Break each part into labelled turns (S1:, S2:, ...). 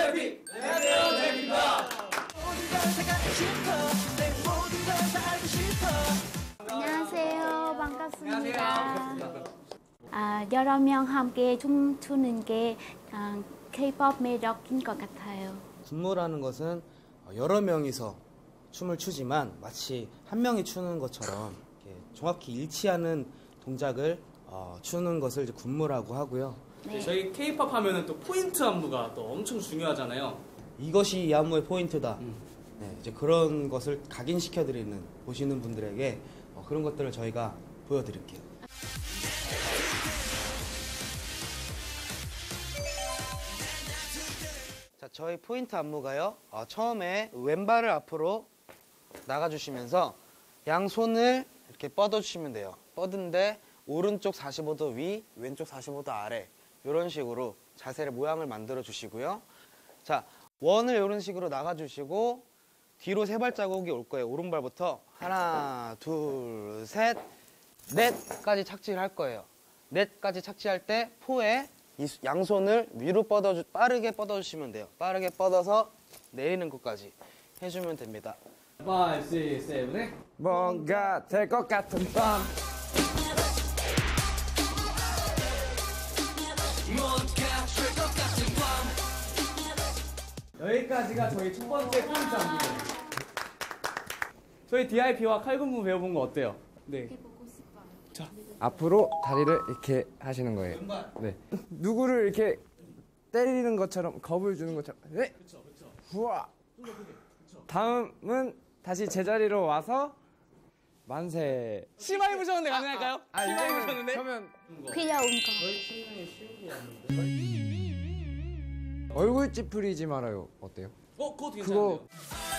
S1: 제비! 안녕하세요, 제비입니다.
S2: 안녕하세요. 반갑습니다. 여러 명 함께 춤추는 게 K-pop 매력인 것 같아요.
S3: 군무라는 것은 여러 명이서 춤을 추지만 마치 한 명이 추는 것처럼 이렇게 정확히 일치하는 동작을 추는 것을 이제 군무라고 하고요.
S1: 네. 저희 K-pop 하면은 또 포인트 안무가 또 엄청 중요하잖아요.
S3: 이것이 이 안무의 포인트다. 네, 이제 그런 것을 각인시켜드리는 보시는 분들에게 그런 것들을 저희가 보여드릴게요. 자, 저희 포인트 안무가요. 처음에 왼발을 앞으로 나가주시면서 양손을 이렇게 뻗어주시면 돼요. 뻗은데 오른쪽 45도 위, 왼쪽 45도 아래 이런 식으로 자세를 모양을 만들어 주시고요. 자, 원을 이런 식으로 나가주시고 뒤로 세 발자국이 올 거예요. 오른발부터 하나, 둘, 셋, 넷까지 착지를 할 거예요. 넷까지 착지할 때 포에 이 양손을 위로 빠르게 뻗어주시면 돼요. 빠르게 뻗어서 내리는 것까지 해주면 됩니다.
S1: 5, 6, 7, 8.
S4: 뭔가 될 것 같은 밤.
S1: 여기까지가 저희 첫 번째 포인트 안무예요. 저희 DIP와 칼군무 배워본 거 어때요? 네.
S4: 앞으로 다리를 이렇게 하시는 거예요. 네. 누구를 이렇게 때리는 것처럼 겁을 주는 것처럼. 네.
S1: 그렇죠.
S4: 후아. 다음은 다시 제자리로 와서 만세.
S1: 심하게 부셨는데 가능할까요? 심하게 부셨는데?
S4: 그러면
S2: 귀여운 거.
S4: 얼굴 찌푸리지 말아요. 어때요?
S1: 그것도 괜찮은데요?
S4: 그거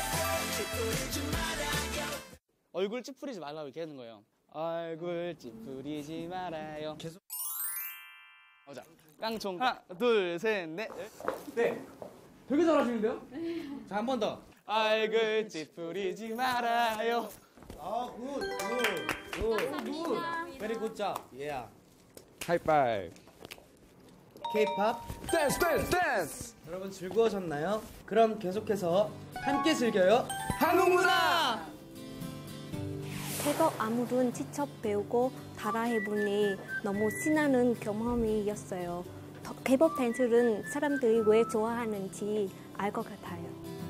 S1: 얼굴 찌푸리지 말라고 이렇게 하는 거예요. 얼굴 찌푸리지 말아요. 계속. 자, 깡총. 하나, 둘, 셋, 넷. 네. 되게 잘하시는데요?
S3: 자, 한 번 더.
S1: 얼굴 찌푸리지 말아요.
S3: 굿. Very good job. Yeah.
S4: 하이파이브.
S3: K-pop
S4: 댄스.
S3: 여러분 즐거우셨나요? 그럼 계속해서 함께 즐겨요.
S4: 한국 문화.
S5: K-pop 안무는 직접 배우고 따라해보니 너무 신나는 경험이었어요. K-pop 댄스는 사람들이 왜 좋아하는지 알 것 같아요.